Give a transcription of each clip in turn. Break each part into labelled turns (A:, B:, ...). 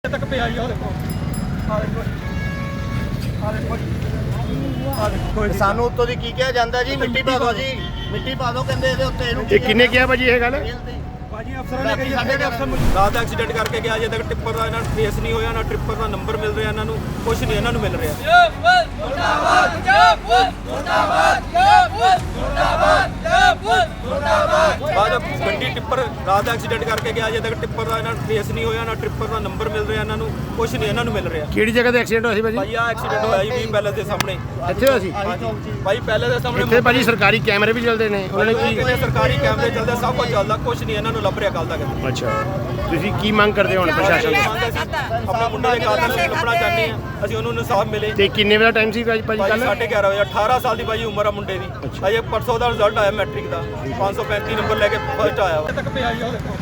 A: ਤੱਕ ਪਿਆ ਹੀ ਆ ਦੇਖੋ
B: ਸਾਨੂੰ ਉੱਤੋਂ ਦੀ ਕੀ ਕਿਹਾ ਜਾਂਦਾ ਜੀ? ਮਿੱਟੀ ਪਾ ਦਿਓ ਜੀ, ਮਿੱਟੀ ਪਾ ਦਿਓ ਕਹਿੰਦੇ ਇਹਦੇ ਉੱਤੇ। ਇਹਨੂੰ
C: ਇਹ ਕਿੰਨੇ ਕਿਹਾ ਭਾਜੀ ਇਹ ਗੱਲ?
A: ਭਾਜੀ ਅਫਸਰਾਂ ਨੇ ਕਹੀ ਸਾਡੇ ਅਫਸਰ ਰਾਤ ਦਾ ਐਕਸੀਡੈਂਟ ਕਰਕੇ ਗਿਆ, ਅਜੇ ਤੱਕ ਟਿੱਪਰ ਦਾ ਇਹਨਾਂ ਨੂੰ ਫੇਸ ਨਹੀਂ ਹੋਇਆ, ਨਾ ਟਿੱਪਰ ਦਾ ਨੰਬਰ ਮਿਲ ਰਿਹਾ ਇਹਨਾਂ ਨੂੰ, ਕੁਝ ਨਹੀਂ ਇਹਨਾਂ ਨੂੰ ਮਿਲ ਰਿਹਾ। ਬਾਅਦ ਗੱਡੀ ਟਿੱਪਰ ਰਾਤ ਦਾ ਐਕਸੀਡੈਂਟ ਕਰਕੇ ਗਿਆ, ਅਜੇ ਤੱਕ ਟਿੱਪਰ ਦਾ ਇਹਨਾਂ ਨੂੰ ਫੇਸ ਨਹੀਂ ਹੋਇਆ, ਨਾ ਟਿੱਪਰ ਦਾ ਨੰਬਰ ਮਿਲ ਰਿਹਾ ਇਹਨਾਂ ਨੂੰ, ਕੁਝ ਨਹੀਂ ਇਹਨਾਂ ਨੂੰ ਮਿਲ ਰਿਹਾ।
C: ਕਿਹੜੀ ਜਗ੍ਹਾ ਤੇ ਐਕਸੀਡੈਂਟ ਹੋਇਆ ਸੀ ਭਾਜੀ?
A: ਭਾਈ ਆ ਐਕਸੀਡੈਂਟ ਹੋਇਆ ਜੀ ਵੀ ਪੈਲੇਸ ਦੇ ਸਾਹਮਣੇ।
C: ਇੱਥੇ ਹੋਇਆ ਸੀ
A: ਭਾਈ ਪੈਲੇਸ ਦੇ ਸਾਹਮਣੇ।
C: ਇੱਥੇ ਭਾਜੀ ਸਰਕਾਰੀ ਕੈਮਰੇ ਵੀ ਚੱਲਦੇ ਨੇ, ਉਹਨਾਂ ਨੇ ਕੀ?
A: ਸਰਕਾਰੀ ਕੈਮਰੇ ਚੱਲਦੇ, ਸਭ ਕੁਝ ਚੱਲਦਾ, ਕੁਝ ਨਹੀਂ ਇਹਨਾਂ ਨੂੰ ਲੱਭ ਰਿਹਾ ਕੱਲ ਤੱਕ।
C: ਅੱਛਾ, ਤੁਸੀਂ ਕੀ ਮੰਗ ਕਰਦੇ ਹੋ ਹੁਣ ਪ੍ਰਸ਼ਾਸਨ ਤੋਂ?
A: ਆਪਣੇ ਮੁੰਡੇ ਦੇ ਕਾਤਲ ਨੂੰ ਲੱਭਣਾ ਚਾਹੁੰਦੇ ਆ ਅਸੀਂ, ਉਹਨੂੰ ਇਨਸਾਫ ਮਿਲੇ।
C: ਤੇ ਕਿੰਨੇ ਵਜੇ ਦਾ ਟਾਈਮ ਸੀ ਭਾਜੀ ਕੱਲ?
A: 11:30 ਵਜੇ। 18 ਸਾਲ ਦੀ ਭਾਜੀ ਉਮਰ ਆ ਮੁੰਡੇ ਦੀ। ਅਜੇ ਪਰਸੋਂ ਦਾ ਰਿਜ਼ਲਟ ਆਇਆ ਮੈਟ੍ਰਿਕ ਦਾ, 535 ਨੰਬਰ ਲੈ ਕੇ ਫਸਟ ਆਇਆ। ਤੱਕ ਪਿਆ ਹੀ ਆ ਦੇਖੋ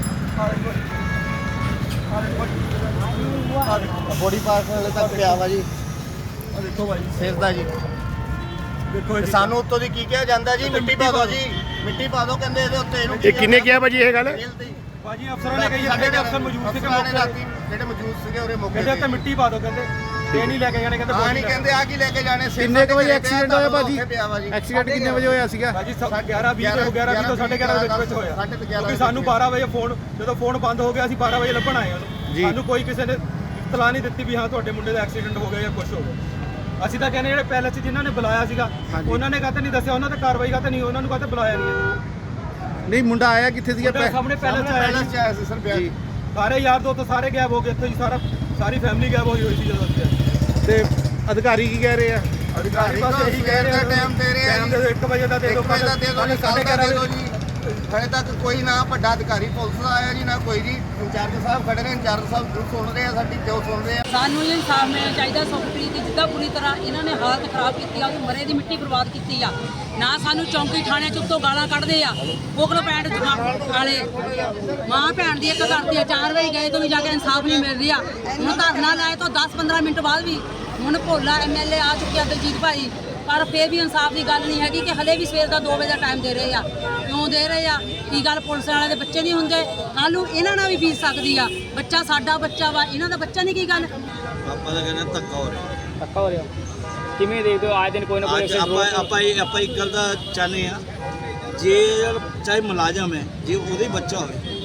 B: ਬੋਡੀ ਪਾਰਟ ਵਾਲੇ ਤੱਕ ਪਿਆ ਵਾ ਜੀ।
A: ਦੇਖੋ ਭਾਈ
B: ਸਿਰ ਦਾ ਜੀ।
A: ਦੇਖੋ
B: ਸਾਨੂੰ ਉੱਤੋਂ ਦੀ ਕੀ ਕਿਹਾ ਜਾਂਦਾ ਜੀ? ਮਿੱਟੀ ਪਾ ਦਿਓ ਜੀ, ਮਿੱਟੀ ਪਾ ਦਿਓ ਕਹਿੰਦੇ ਇਹਦੇ ਉੱਤੇ। ਇਹਨੂੰ
C: ਇਹ ਕਿੰਨੇ ਕਿਹਾ ਭਾਜੀ ਇਹ ਗੱਲ?
A: ਭਾਜੀ ਅਫਸਰਾਂ ਨੇ ਕਹੀ ਸਾਡੇ ਅਫਸਰ ਮੌਜੂਦ ਸੀਗੇ ਮੌਕੇ ਤੇ,
B: ਜਿਹੜੇ ਮੌਜੂਦ ਸੀਗੇ ਉਹਦੇ ਮੌਕੇ
A: ਕਹਿੰਦੇ ਉੱਤੇ ਮਿੱਟੀ ਪਾ ਦਿਓ, ਕਹਿੰਦੇ ਇਹ ਨਹੀਂ ਲੈ ਕੇ ਜਾਣੇ, ਕਹਿੰਦੇ
B: ਹਾਂ ਨਹੀਂ ਕਹਿੰਦੇ ਆ ਕੀ ਲੈ ਕੇ ਜਾਣੇ।
D: ਕਿੰਨੇ ਕੁ ਵਜੇ ਐਕਸੀਡੈਂਟ ਹੋਇਆ ਭਾਜੀ?
B: ਭਾਜੀ
D: ਐਕਸੀਡੈਂਟ ਕਿੰਨੇ ਵਜੇ ਹੋਇਆ ਸੀਗਾ?
A: ਭਾਜੀ 11:20 ਤੋਂ 11:30 ਦੇ ਵਿੱਚ ਹੋਇਆ। ਕਿਉਂਕਿ ਸਾਨੂੰ 12 ਵਜੇ ਫੋਨ, ਜਦੋਂ ਫੋਨ ਬੰਦ ਹੋ ਗਿਆ ਅਸੀਂ 12 ਵਜੇ ਲੱਭਣ ਆਏ ਉਹਨੂੰ। ਸਾਨੂੰ ਕੋਈ ਕਿਸੇ ਨੇ ਇਤਲਾਹ ਨਹੀਂ ਦਿੱਤੀ ਵੀ ਹਾਂ ਤੁਹਾਡੇ ਮੁੰਡੇ ਦਾ ਐਕਸੀਡੈਂਟ ਹੋ ਗਿਆ ਜਾਂ ਕੁਝ ਹੋ ਗਿਆ। ਅਸੀਂ ਤਾਂ ਕਹਿੰਦੇ ਜਿਹੜੇ ਪੈਲੇਸ 'ਚ ਜਿਨ੍ਹਾਂ ਨੇ ਬੁਲਾਇਆ ਸੀਗਾ ਉਹਨਾਂ ਨੇ ਕਾਹਤੇ ਨਹੀਂ ਦੱਸਿਆ, ਉਹਨਾਂ ਤੇ ਕਾਰਵਾਈ ਕਾਹਤੇ ਨਹੀਂ, ਉਹਨਾਂ ਨੂੰ ਕਾਹਤੇ ਬੁਲਾਇਆ
D: ਨਹੀਂ, ਮੁੰਡਾ ਆਇਆ ਕਿੱਥੇ ਸੀਗਾ?
A: ਸਾਹਮਣੇ ਪੈਲੇਸ 'ਚ ਆਇਆ ਸੀ
B: ਸਰ ਬਿਆਨ।
A: ਸਾਰੇ ਯਾਰ ਦੋਸਤ ਸਾਰੇ ਗਾਇਬ ਹੋ ਗਏ ਇੱਥੋਂ ਜੀ, ਸਾਰੀ ਫੈਮਿਲੀ ਗਾਇਬ ਹੋਈ ਸੀ ਜਦੋਂ ਅਸੀਂ।
D: ਤੇ ਅਧਿਕਾਰੀ ਕੀ ਕਹਿ ਰਹੇ ਆ?
B: ਅਧਿਕਾਰੀ ਬਸ ਇਹੀ ਕਹਿ ਰਹੇ ਟਾਈਮ ਦੇ ਰਹੇ ਆ ਜੀ।
A: 1 ਵਜੇ ਦਾ ਦੇ ਦਿਓ,
B: 1 ਵਜੇ ਦਾ ਦੇ ਦਿਓ, ਕੱਲ੍ਹ ਦਾ ਦੇ ਦਿਓ ਜੀ। ਹਲੇ ਤੱਕ ਕੋਈ ਨਾ ਵੱਡਾ ਅਧਿਕਾਰੀ ਪੁਲਿਸ ਦਾ ਆਇਆ ਜੀ, ਨਾ ਕੋਈ ਜੀ। ਇੰਚਾਰਜ ਸਾਹਿਬ ਖੜੇ ਨੇ, ਇੰਚਾਰਜ ਸਾਹਿਬ ਸੁਣ ਰਹੇ ਆ ਸਾਡੀ, ਕਿਉਂ ਸੁਣ ਰਹੇ ਆ?
E: ਸਾਨੂੰ ਇਹ ਇਨਸਾਫ ਮਿਲਣਾ ਚਾਹੀਦਾ। ਸੁਖਪ੍ਰੀਤ ਦੀ ਜਿੱਦਾਂ ਪੂਰੀ ਤਰ੍ਹਾਂ ਇਹਨਾਂ ਨੇ ਹਾਲਤ ਖਰਾਬ ਕੀਤੀ ਆ, ਉਹ ਮਰੇ ਦੀ ਮਿੱਟੀ ਬਰਬਾਦ ਕੀਤੀ ਆ। ਨਾ ਸਾਨੂੰ ਚੌਂਕੀ ਥਾਣੇ ਚ ਉੱਤੋਂ ਗਾਲਾਂ ਕੱਢਦੇ ਆ, ਕੋਕਲ ਪੈਂਟ ਵਾਲੇ ਮਾਂ ਭੈਣ ਦੀ ਇੱਕ ਕਰਦੀ ਆ। 4 ਵਜੇ ਗਏ ਤੋਂ ਵੀ ਜਾ ਕੇ ਇਨਸਾਫ ਨਹੀਂ ਮਿਲ ਰਿਹਾ। ਹੁਣ ਧਰਨਾ ਲਾਏ ਤੋਂ 10-15 ਮਿੰਟ ਬਾਅਦ ਵੀ ਹੁਣ ਭੋਲਾ ਐਮਐਲਏ ਆ ਚੁੱਕਿਆ ਦਲਜੀਤ ਭਾਈ, ਪਰ ਫੇਰ ਵੀ ਇਨਸਾਫ ਦੀ ਗੱਲ ਨਹੀਂ ਹੈਗੀ ਕਿ ਹਲੇ ਵੀ ਸਵੇਰ ਦਾ 2 ਵਜੇ ਦਾ ਟਾਈਮ ਦੇ ਰਹੇ ਆ। ਕਿਉਂ ਦੇ ਰਹੇ ਆ? ਕੀ ਗੱਲ ਪੁਲਿਸ ਵਾਲਿਆਂ ਦੇ ਬੱਚੇ ਨਹੀਂ ਹੁੰਦੇ? ਕੱਲ੍ਹ ਨੂੰ ਇਹਨਾਂ ਨਾਲ ਵੀ ਬੀਤ ਸਕਦੀ ਆ। ਬੱਚਾ ਸਾਡਾ ਬੱਚਾ ਵਾ, ਇਹਨਾਂ ਦਾ ਬੱਚਾ ਨਹੀਂ। ਕੀ ਗੱਲ?
F: ਆਪਾਂ ਤਾਂ ਕਹਿੰਦੇ ਧੱਕਾ ਹੋ ਰਿਹਾ।
G: ਧੱਕਾ ਹੋ ਰਿਹਾ ਕਿਵੇਂ ਦੇਖਦੇ ਹੋ? ਆਏ ਦਿਨ ਕੋਈ ਨਾ ਕੋਈ
F: ਆਪਾਂ ਇੱਕ ਗੱਲ ਦਾ ਚਾਹੁੰਦੇ ਆ, ਜੇ ਚਾਹੇ ਮੁਲਾਜ਼ਮ ਹੈ, ਜੇ ਉਹਦੇ ਬੱਚਾ ਹੋਵੇ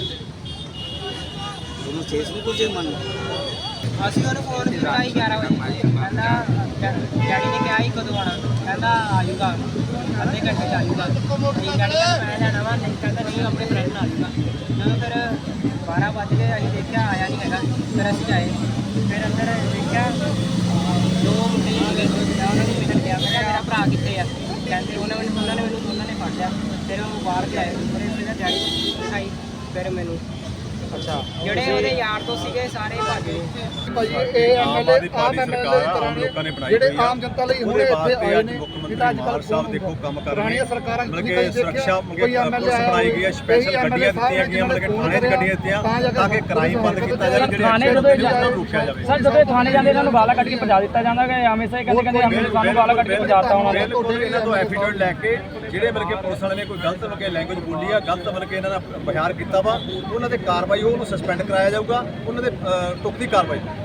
F: ਉਹਨੂੰ ਕੇਸ ਨੂੰ ਕੁਝ ਮੰਨ।
G: ਅਸੀਂ ਉਹਨੂੰ ਫੋਨ ਕੀਤਾ ਸੀ 11 ਵਜੇ, ਕਹਿੰਦਾ ਡੈਡੀ ਨੇ ਕਿਹਾ ਸੀ ਕਦੋਂ ਆਉਣਾ, ਕਹਿੰਦਾ ਆ ਜਾਊਗਾ ਅੱਧੇ ਘੰਟੇ 'ਚ ਆ ਜਾਊਗਾ। ਨਹੀਂ ਡੈਡੀ ਕਹਿੰਦਾ ਮੈਂ ਲੈਣਾ ਵਾ, ਨਹੀਂ ਕਹਿੰਦਾ ਨਹੀਂ ਆਪਣੇ ਫਰੈਂਡ ਨਾਲ ਆ ਜਾਊਗਾ। ਜਦੋਂ ਫਿਰ 12 ਵੱਜ ਗਏ, ਅਸੀਂ ਦੇਖਿਆ ਆਇਆ ਨਹੀਂ ਹੈਗਾ। ਫਿਰ ਅਸੀਂ ਆਏ, ਫਿਰ ਅੰਦਰ ਦੇਖਿਆ 2 ਮੁੰਡੇ ਸੀਗੇ, ਉਹਨਾਂ ਨੂੰ ਮਿਲਣ ਗਿਆ। ਮੈਂ ਕਿਹਾ ਮੇਰਾ ਭਰਾ ਕਿੱਥੇ ਆ? ਕਹਿੰਦੇ ਉਹਨਾਂ ਨੇ ਮੈਨੂੰ ਫੜ ਲਿਆ। ਫਿਰ ਉਹ ਬਾਹਰ ਕੇ ਆਏ, ਫਿਰ ਮੇਰਾ ਡੈਡੀ ਦਿਖਾਈ, ਫਿਰ ਮੈਨੂੰ ਅੱਛਾ ਜਿਹੜੇ ਉਹਦੇ ਯਾਰ ਤੋਂ ਸੀਗੇ ਸਾਰੇ ਭੱਜ ਗਏ।
D: ਭਾਜੀ ਇਹ ਐਮਐਲਏ ਜਿਹੜੇ ਆਮ ਜਨਤਾ ਲਈ ਹੁਣ ਇੱਥੇ ਆਏ ਨੇ, ਜਿਹਦਾ ਅੱਜ ਕੱਲ੍ਹ
H: ਸਾਹਿਬ ਦੇਖੋ ਕੰਮ ਕਰ ਰਹੇ ਨੇ।
D: ਸਰਕਾਰਾਂ
H: ਮਤਲਬ ਕਿ ਸੁਰੱਖਿਆ ਪੁਲਿਸ ਬਣਾਈ ਗਈ ਹੈ, ਸਪੈਸ਼ਲ ਗੱਡੀਆਂ ਦਿੱਤੀਆਂ ਗਈਆਂ, ਮਤਲਬ ਕਿ ਥਾਣੇ 'ਚ ਗੱਡੀਆਂ ਦਿੱਤੀਆਂ ਤਾਂ ਕਿ ਕ੍ਰਾਈਮ ਬੰਦ ਕੀਤਾ ਜਾਵੇ, ਜਿਹੜੇ ਐਕਸੀਡੈਂਟ ਨੂੰ ਰੋਕਿਆ ਜਾਵੇ।
G: ਸਰ ਜਦੋਂ ਥਾਣੇ ਜਾਂਦੇ ਇਹਨਾਂ ਨੂੰ ਗਾਲਾਂ ਕੱਢ ਕੇ ਭਜਾ ਦਿੱਤਾ ਜਾਂਦਾ ਕਿ ਹਮੇਸ਼ਾ ਹੀ ਕਹਿੰਦੇ ਸਾਨੂੰ ਗਾਲਾਂ ਕੱਢ ਕੇ ਭਜਾਤਾ ਉਹਨਾਂ ਨੇ।
H: ਬਿਲਕੁਲ ਇਹਨਾਂ ਤੋਂ ਐਫੀਡੇਵਿਟ ਲੈ ਕੇ ਜਿਹੜੇ ਮਤਲਬ ਕਿ ਪੁਲਿਸ ਵਾਲੇ ਨੇ ਕੋਈ ਗਲਤ ਮਤਲਬ ਕਿ ਲੈਂਗੁਏਜ ਬੋਲੀ ਆ, ਗਲਤ ਮਤਲਬ ਕਿ ਇਹਨਾਂ ਦਾ ਬਿਆਨ ਕੀਤਾ ਵਾ, ਉਹਨਾਂ ਤੇ ਕਾਰਵਾਈ, ਉਹਨੂੰ ਸਸਪੈਂਡ ਕਰਾਇਆ ਜਾਊਗਾ, ਉਹਨਾਂ ਦੇ ਤੁਕ ਦੀ ਕਾਰਵਾਈ।